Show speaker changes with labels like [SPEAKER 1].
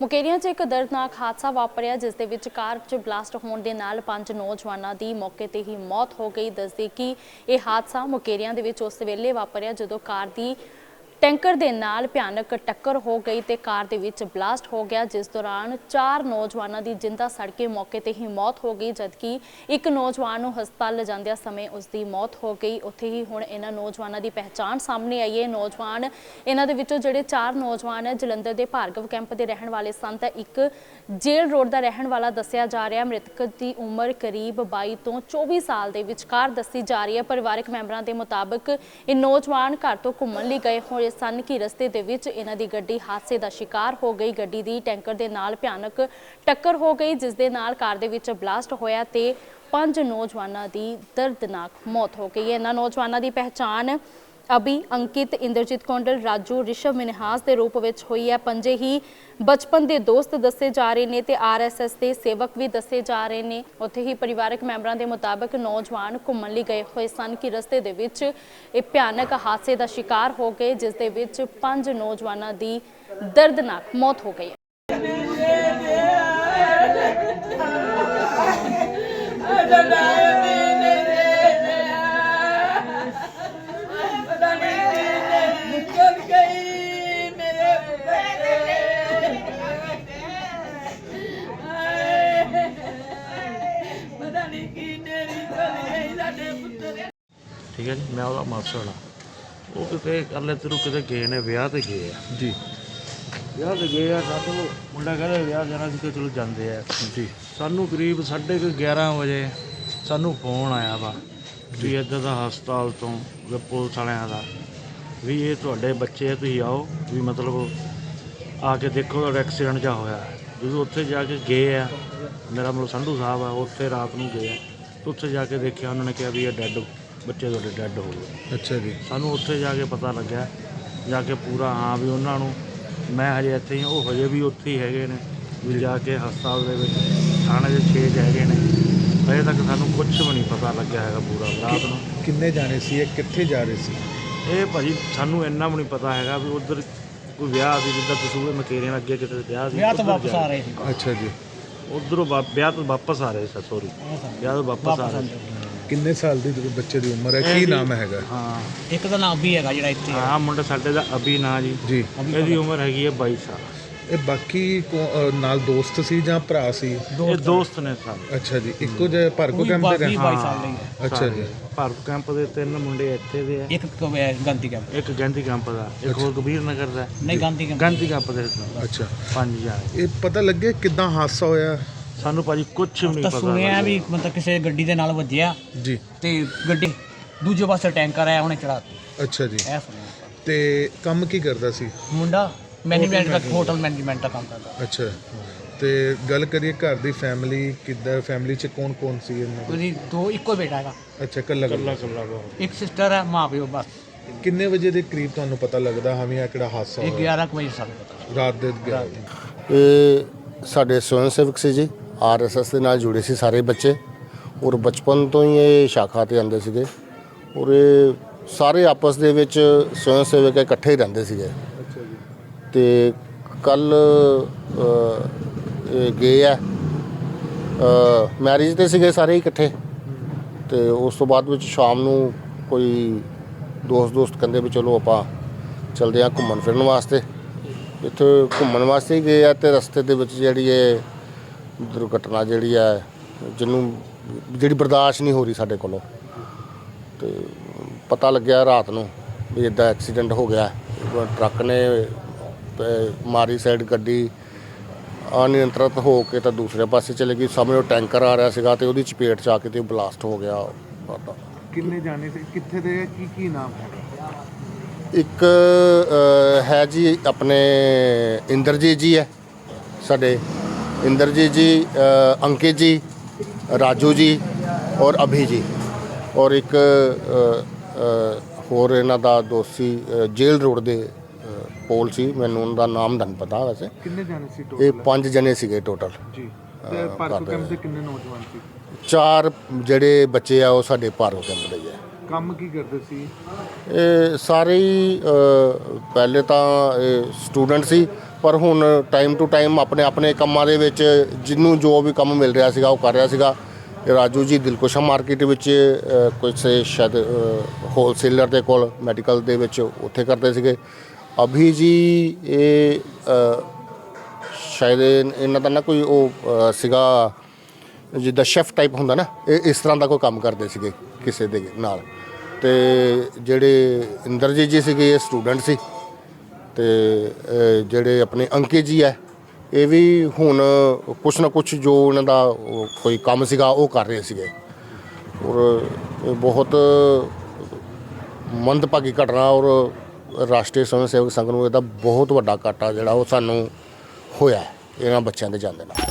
[SPEAKER 1] ਮੁਕੇਰੀਆਂ 'ਚ ਇੱਕ ਦਰਦਨਾਕ ਹਾਦਸਾ ਵਾਪਰਿਆ ਜਿਸ ਦੇ ਵਿੱਚ ਕਾਰ 'ਚ ਬਲਾਸਟ ਹੋਣ ਦੇ ਨਾਲ 5 ਨੌਜਵਾਨਾਂ ਦੀ ਮੌਕੇ ਤੇ ਹੀ ਮੌਤ ਹੋ ਗਈ। ਦੱਸਦੇ ਕਿ ਇਹ ਹਾਦਸਾ ਮੁਕੇਰੀਆਂ ਦੇ ਵਿੱਚ ਉਸ ਵੇਲੇ ਵਾਪਰਿਆ ਜਦੋਂ ਕਾਰ ਦੀ ਟੈਂਕਰ ਦੇ ਨਾਲ ਭਿਆਨਕ ਟੱਕਰ ਹੋ ਗਈ ਤੇ ਕਾਰ ਦੇ ਵਿੱਚ ਬਲਾਸਟ ਹੋ ਗਿਆ, ਜਿਸ ਦੌਰਾਨ 4 ਨੌਜਵਾਨਾਂ ਦੀ ਜਿੰਦਾ ਸੜ ਕੇ ਮੌਕੇ ਤੇ ਹੀ ਮੌਤ ਹੋ ਗਈ, ਜਦਕਿ ਇੱਕ ਨੌਜਵਾਨ ਨੂੰ ਹਸਪਤਾਲ ਲਿਜਾਂਦਿਆਂ ਸਮੇਂ ਉਸ ਦੀ ਮੌਤ ਹੋ ਗਈ। ਉੱਥੇ ਹੀ ਹੁਣ ਇਹਨਾਂ ਨੌਜਵਾਨਾਂ ਦੀ ਪਹਿਚਾਣ ਸਾਹਮਣੇ ਆਈ ਹੈ। ਨੌਜਵਾਨ ਇਹਨਾਂ ਦੇ ਵਿੱਚੋਂ ਜਿਹੜੇ 4 ਨੌਜਵਾਨ ਹੈ ਜਲੰਧਰ ਦੇ ਭਾਰਗਵ ਕੈਂਪ ਦੇ ਰਹਿਣ ਵਾਲੇ ਸਨ ਤਾਂ ਇੱਕ ਜੇਲ੍ਹ ਰੋਡ ਦਾ ਰਹਿਣ ਵਾਲਾ ਦੱਸਿਆ ਜਾ ਰਿਹਾ। ਮ੍ਰਿਤਕ ਦੀ ਉਮਰ ਕਰੀਬ 22 ਤੋਂ 24 ਸਾਲ ਦੇ ਵਿਚਕਾਰ ਦੱਸੀ ਜਾ ਰਹੀ ਹੈ। ਪਰਿਵਾਰਕ ਮੈਂਬਰਾਂ ਦੇ ਮੁਤਾਬਕ ਇਹ ਨੌਜਵਾਨ ਘਰ ਤੋਂ ਘੁੰਮਣ ਲਈ ਗਏ ਹੋਏ ਸਨ ਕਿ ਰਸਤੇ ਦੇ ਵਿੱਚ ਇਹਨਾਂ ਦੀ ਗੱਡੀ ਹਾਦਸੇ ਦਾ ਸ਼ਿਕਾਰ ਹੋ ਗਈ। ਗੱਡੀ ਦੀ ਟੈਂਕਰ ਦੇ ਨਾਲ ਭਿਆਨਕ ਟੱਕਰ ਹੋ ਗਈ, ਜਿਸ ਦੇ ਨਾਲ ਕਾਰ ਦੇ ਵਿੱਚ ਬਲਾਸਟ ਹੋਇਆ ਤੇ 5 ਨੌਜਵਾਨਾਂ ਦੀ ਦਰਦਨਾਕ ਮੌਤ ਹੋ ਗਈ ਹੈ। ਇਹਨਾਂ ਨੌਜਵਾਨਾਂ ਦੀ ਪਹਿਚਾਣ ਅਭੀ, ਅੰਕਿਤ, ਇੰਦਰਜੀਤ ਕੌਂਡਲ, ਰਾਜੂ, ਰਿਸ਼ਵ, ਮਿਨਹਾਸ ਦੇ ਰੂਪ ਵਿੱਚ ਹੋਈ ਹੈ। ਪੰਜੇ ਹੀ ਬਚਪਨ ਦੇ ਦੋਸਤ ਦੱਸੇ ਜਾ ਰਹੇ ਨੇ ਤੇ RSS ਦੇ ਸੇਵਕ ਵੀ ਦੱਸੇ ਜਾ ਰਹੇ ਨੇ। ਉੱਥੇ ਹੀ ਪਰਿਵਾਰਕ ਮੈਂਬਰਾਂ ਦੇ ਮੁਤਾਬਕ ਨੌਜਵਾਨ ਘੁੰਮਣ ਲਈ ਗਏ ਹੋਏ ਸਨ ਕਿ ਰਸਤੇ ਦੇ ਵਿੱਚ ਇਹ ਭਿਆਨਕ ਹਾਦਸੇ ਦਾ ਸ਼ਿਕਾਰ ਹੋ ਗਏ, ਜਿਸ ਦੇ ਵਿੱਚ 5 ਨੌਜਵਾਨਾਂ ਦੀ ਦਰਦਨਾਕ ਮੌਤ ਹੋ ਗਈ।
[SPEAKER 2] ठीक है जी, मैं ਉਹਦਾ ਮਾਸੜ ਹਾਂ। ਉਹ ਕਿਤੇ ਕੱਲ੍ਹ ਇੱਧਰੋਂ ਕਿਤੇ ਗਏ ਨੇ, ਵਿਆਹ 'ਤੇ ਗਏ ਆ ਜੀ। ਵਿਆਹ 'ਤੇ ਗਏ ਆ, ਸਾਨੂੰ ਮੁੰਡਾ ਕਹਿੰਦਾ ਵਿਆਹ ਜਾਣਾ ਸੀ ਕਿ ਚਲੋ ਜਾਂਦੇ ਆ ਜੀ। ਸਾਨੂੰ ਕਰੀਬ 11:30 ਵਜੇ ਸਾਨੂੰ ਫੋਨ ਆਇਆ ਵਾ ਵੀ ਇੱਧਰ ਦਾ ਹਸਪਤਾਲ ਤੋਂ ਪੁਲਿਸ ਵਾਲਿਆਂ ਦਾ ਵੀ ਇਹ ਤੁਹਾਡੇ ਬੱਚੇ ਆ, ਤੁਸੀਂ ਆਓ ਵੀ ਮਤਲਬ ਆ ਕੇ ਦੇਖੋ ਤੁਹਾਡਾ ਐਕਸੀਡੈਂਟ ਜਿਹਾ ਹੋਇਆ। ਜਦੋਂ ਉੱਥੇ ਜਾ ਕੇ ਗਏ ਆ, ਮੇਰਾ ਮਤਲਬ ਸੰਧੂ ਸਾਹਿਬ ਆ, ਉੱਥੇ ਰਾਤ ਨੂੰ ਗਏ ਆ, ਉੱਥੇ ਜਾ ਕੇ ਦੇਖਿਆ, ਉਹਨਾਂ ਨੇ ਕਿਹਾ ਵੀ ਇਹ ਡੈੱਡ ਬੱਚੇ ਤੁਹਾਡੇ ਡੈੱਡ ਹੋ ਗਏ। ਅੱਛਾ ਜੀ। ਸਾਨੂੰ ਉੱਥੇ ਜਾ ਕੇ ਪਤਾ ਲੱਗਿਆ, ਜਾ ਕੇ ਪੂਰਾ ਹਾਂ ਵੀ ਉਹਨਾਂ ਨੂੰ, ਮੈਂ ਹਜੇ ਇੱਥੇ ਹੀ, ਉਹ ਹਜੇ ਵੀ ਉੱਥੇ ਹੀ ਹੈਗੇ ਨੇ ਵੀ ਜਾ ਕੇ ਹਸਪਤਾਲ ਦੇ ਵਿੱਚ ਥਾਣੇ ਦੇ 6 ਹੈਗੇ ਨੇ। ਹਜੇ ਤੱਕ ਸਾਨੂੰ ਕੁਝ ਵੀ ਨਹੀਂ ਪਤਾ ਲੱਗਿਆ ਹੈਗਾ ਪੂਰਾ ਰਾਤ ਨੂੰ।
[SPEAKER 3] ਕਿੰਨੇ ਜਾਣੇ ਸੀ ਇਹ, ਕਿੱਥੇ ਜਾ ਰਹੇ ਸੀ?
[SPEAKER 2] ਇਹ ਭਾਜੀ ਸਾਨੂੰ ਇੰਨਾ ਵੀ ਨਹੀਂ ਪਤਾ ਹੈਗਾ ਵੀ ਉੱਧਰ ਕੋਈ ਵਿਆਹ ਸੀ, ਜਿੱਦਾਂ ਤੁਸੀਂ ਮਕੇਰੀਆਂ ਅੱਗੇ ਕਿਤੇ ਵਿਆਹ ਸੀ,
[SPEAKER 4] ਵਿਆਹ ਤੋਂ ਵਾਪਸ ਆ ਰਹੇ ਸੀ।
[SPEAKER 3] ਅੱਛਾ ਜੀ।
[SPEAKER 2] ਉੱਧਰੋਂ ਵਿਆਹ ਤੋਂ ਵਾਪਸ ਆ ਰਹੇ ਸੀ, ਸੋਰੀ ਵਿਆਹ ਤੋਂ ਵਾਪਸ ਆ ਰਹੇ ਸੀ।
[SPEAKER 3] ਕਿੰਨੇ ਸਾਲ ਦੀ ਬੱਚੇ ਦੀ ਉਮਰ ਹੈ, ਕੀ ਨਾਮ ਹੈਗਾ?
[SPEAKER 2] ਹਾਂ,
[SPEAKER 4] ਇੱਕ ਦਾ ਨਾਮ ਵੀ ਹੈਗਾ ਜਿਹੜਾ ਇੱਥੇ।
[SPEAKER 2] ਹਾਂ, ਮੁੰਡਾ ਸਾਡੇ ਦਾ ਅਭੀ ਨਾਂ ਜੀ। ਇਹਦੀ ਉਮਰ ਹੈਗੀ ਹੈ 22 ਸਾਲ।
[SPEAKER 3] ਇਹ ਬਾਕੀ ਨਾਲ ਦੋਸਤ ਸੀ ਜਾਂ ਭਰਾ ਸੀ?
[SPEAKER 2] ਇਹ ਦੋਸਤ ਨੇ ਸਾਰੇ।
[SPEAKER 3] ਅੱਛਾ ਜੀ। ਇੱਕੋ ਜਿਹੇ ਭਾਰਗੋ ਕੈਂਪ ਦੇ ਰਹਿਣ?
[SPEAKER 4] 22 ਸਾਲ ਦੇ।
[SPEAKER 3] ਅੱਛਾ ਜੀ।
[SPEAKER 2] ਭਾਰਗੋ ਕੈਂਪ ਦੇ 3 ਮੁੰਡੇ ਇੱਥੇ ਦੇ ਆ,
[SPEAKER 4] ਇੱਕ ਗਾਂਧੀ ਕੈਂਪ,
[SPEAKER 2] ਇੱਕ ਗਾਂਧੀ ਕੈਂਪ ਦਾ, ਇੱਕ ਹੋਰ ਕਬੀਰ ਨਗਰ ਦਾ।
[SPEAKER 4] ਨਹੀਂ, ਗਾਂਧੀ ਕੈਂਪ
[SPEAKER 2] ਦੇ।
[SPEAKER 3] ਅੱਛਾ।
[SPEAKER 2] 5 ਜਾਣੇ।
[SPEAKER 3] ਇਹ ਪਤਾ ਲੱਗੇ ਕਿੱਦਾਂ ਹਾਦਸਾ ਹੋਇਆ?
[SPEAKER 2] ਸਾਨੂੰ ਭਾਜੀ ਕੁਝ ਵੀ ਨਹੀਂ ਪਤਾ।
[SPEAKER 4] ਸੁਣਿਆ ਵੀ ਮਤਲਬ ਕਿਸੇ ਗੱਡੀ ਦੇ ਨਾਲ ਵੱਜਿਆ
[SPEAKER 3] ਜੀ
[SPEAKER 4] ਤੇ ਗੱਡੀ ਦੂਜੇ ਪਾਸੇ ਟੈਂਕਰ ਆਇਆ, ਉਹਨੇ ਚੜਾਤੀ।
[SPEAKER 3] ਅੱਛਾ ਜੀ।
[SPEAKER 4] ਇਹ ਸੁਣਿਆ।
[SPEAKER 3] ਤੇ ਕੰਮ ਕੀ ਕਰਦਾ ਸੀ
[SPEAKER 4] ਮੁੰਡਾ? ਮੈਨੇਜਮੈਂਟ ਦਾ, ਹੋਟਲ ਮੈਨੇਜਮੈਂਟ ਦਾ ਕੰਮ ਕਰਦਾ।
[SPEAKER 3] ਅੱਛਾ। ਤੇ ਗੱਲ ਕਰੀਏ ਘਰ ਦੀ ਫੈਮਿਲੀ ਕਿੱਦਾਂ, ਫੈਮਿਲੀ 'ਚ ਕੌਣ ਕੌਣ ਸੀ ਇਹਨਾਂ ਦੇ?
[SPEAKER 4] ਉਹਦੀ ਦੋ, ਇੱਕੋ ਬੇਟਾ ਹੈਗਾ।
[SPEAKER 3] ਅੱਛਾ, ਕੱਲਾ
[SPEAKER 4] ਇੱਕ ਸਿਸਟਰ ਹੈ, ਮਾਂ ਪਿਓ ਬਸ।
[SPEAKER 3] ਕਿੰਨੇ ਵਜੇ ਦੇ ਕਰੀਬ ਤੁਹਾਨੂੰ ਪਤਾ ਲੱਗਦਾ ਹਾਂ ਵੀ ਆ ਕਿਹੜਾ ਹਾਦਸਾ ਹੋਇਆ?
[SPEAKER 4] 11 ਵਜੇ ਸਾਨੂੰ ਪਤਾ।
[SPEAKER 3] ਰਾਤ ਦੇ 11 ਵਜੇ।
[SPEAKER 5] ਇਹ ਸਾਡੇ ਸਵੈਂ ਸੇਵਕ ਸੀ ਜੀ, RSS ਦੇ ਨਾਲ ਜੁੜੇ ਸੀ ਸਾਰੇ ਬੱਚੇ, ਔਰ ਬਚਪਨ ਤੋਂ ਹੀ ਇਹ ਸ਼ਾਖਾ 'ਤੇ ਆਉਂਦੇ ਸੀਗੇ, ਔਰ ਇਹ ਸਾਰੇ ਆਪਸ ਦੇ ਵਿੱਚ ਸਵੈਂ ਸੇਵਕ ਇਕੱਠੇ ਹੀ ਰਹਿੰਦੇ ਸੀਗੇ। ਤੇ ਕੱਲ ਗਏ ਆ ਮੈਰਿਜ 'ਤੇ ਸੀਗੇ ਸਾਰੇ ਇਕੱਠੇ, ਤੇ ਉਸ ਤੋਂ ਬਾਅਦ ਵਿੱਚ ਸ਼ਾਮ ਨੂੰ ਕੋਈ ਦੋਸਤ ਕਹਿੰਦੇ ਵੀ ਚਲੋ ਆਪਾਂ ਚਲਦੇ ਹਾਂ ਘੁੰਮਣ ਫਿਰਨ ਵਾਸਤੇ। ਇੱਥੇ ਘੁੰਮਣ ਵਾਸਤੇ ਹੀ ਗਏ ਆ ਤੇ ਰਸਤੇ ਦੇ ਵਿੱਚ ਜਿਹੜੀ ਇਹ ਦੁਰਘਟਨਾ ਜਿਹੜੀ ਹੈ, ਜਿਹੜੀ ਬਰਦਾਸ਼ਤ ਨਹੀਂ ਹੋ ਰਹੀ ਸਾਡੇ ਕੋਲੋਂ, ਤੇ ਪਤਾ ਲੱਗਿਆ ਰਾਤ ਨੂੰ ਵੀ ਇੱਦਾਂ ਐਕਸੀਡੈਂਟ ਹੋ ਗਿਆ। ਟਰੱਕ ਨੇ ਮਾਰੀ ਸਾਈਡ ਗੱਡੀ ਅਨਿਯੰਤਰਿਤ ਹੋ ਕੇ ਤਾਂ ਦੂਸਰੇ ਪਾਸੇ ਚਲੇ ਗਈ। ਸਾਹਮਣੇ ਟੈਂਕਰ ਆ ਰਿਹਾ ਸੀਗਾ ਤੇ ਉਹਦੀ ਚਪੇਟ 'ਚ ਆ ਕੇ ਤੇ ਬਲਾਸਟ ਹੋ ਗਿਆ।
[SPEAKER 3] ਕਿੰਨੇ ਜਾਣੇ ਸੀ, ਕਿੱਥੇ ਦੇ, ਕੀ ਨਾਮ ਹੈਗਾ?
[SPEAKER 5] ਇੱਕ ਹੈ ਜੀ ਆਪਣੇ ਇੰਦਰਜੀਤ ਜੀ ਹੈ ਸਾਡੇ, इंद्रजीत जी, अंकित जी, राजू जी और अभी जी, और एक होर इन्हां दा दोस्त सी जेल रोड दे पोल सी, मैनूं उनका नाम नहीं पता वैसे।
[SPEAKER 3] कितने जाने सी
[SPEAKER 5] टोटल? ये 5 जने सीगे टोटल जी।
[SPEAKER 3] ते भार्गव कैंप दे कितने नौजवान सी?
[SPEAKER 5] 4 ਜਿਹੜੇ ਬੱਚੇ ਆ ਉਹ ਸਾਡੇ ਭਾਰਗव ਕੈਂਪ ਦੇ ਆ।
[SPEAKER 3] ਕੰਮ ਕੀ ਕਰਦੇ ਸੀ
[SPEAKER 5] ਇਹ? ਸਾਰੇ ਹੀ ਪਹਿਲੇ ਤਾਂ ਸਟੂਡੈਂਟ ਸੀ, ਪਰ ਹੁਣ ਟਾਈਮ ਟੂ ਟਾਈਮ ਆਪਣੇ ਆਪਣੇ ਕੰਮਾਂ ਦੇ ਵਿੱਚ ਜਿਹਨੂੰ ਜੋ ਵੀ ਕੰਮ ਮਿਲ ਰਿਹਾ ਸੀਗਾ ਉਹ ਕਰ ਰਿਹਾ ਸੀਗਾ। ਰਾਜੂ ਜੀ ਦਿਲਕੁਸ਼ਾ ਮਾਰਕੀਟ ਵਿੱਚ ਕੁਝ ਸ਼ਾਇਦ ਹੋਲਸੇਲਰ ਦੇ ਕੋਲ ਮੈਡੀਕਲ ਦੇ ਵਿੱਚ ਉੱਥੇ ਕਰਦੇ ਸੀਗੇ। ਅਭੀ ਜੀ ਇਹ ਸ਼ਾਇਦ ਇਹਨਾਂ ਦਾ ਨਾ ਕੋਈ ਉਹ ਸੀਗਾ ਜਿੱਦਾਂ ਸ਼ੈਫ ਟਾਈਪ ਹੁੰਦਾ ਨਾ, ਇਹ ਇਸ ਤਰ੍ਹਾਂ ਦਾ ਕੋਈ ਕੰਮ ਕਰਦੇ ਸੀਗੇ ਕਿਸੇ ਦੇ ਨਾਲ। ਤੇ ਜਿਹੜੇ ਇੰਦਰਜੀਤ ਜੀ ਸੀਗੇ ਇਹ ਸਟੂਡੈਂਟ ਸੀ। ਤੇ ਜਿਹੜੇ ਆਪਣੇ ਅੰਕਿਤ ਜੀ ਹੈ ਇਹ ਵੀ ਹੁਣ ਕੁਛ ਨਾ ਕੁਛ ਜੋ ਉਹਨਾਂ ਦਾ ਕੋਈ ਕੰਮ ਸੀਗਾ ਉਹ ਕਰ ਰਹੇ ਸੀਗੇ। ਔਰ ਇਹ ਬਹੁਤ ਮੰਦਭਾਗੀ ਘਟਨਾ ਔਰ ਰਾਸ਼ਟਰੀ ਸਵੈਮ ਸੇਵਕ ਸੰਘ ਨੂੰ ਇਹਦਾ ਬਹੁਤ ਵੱਡਾ ਘਾਟਾ ਜਿਹੜਾ ਉਹ ਸਾਨੂੰ ਹੋਇਆ ਇਹਨਾਂ ਬੱਚਿਆਂ ਦੇ ਜਾਂਦੇ ਨਾਲ।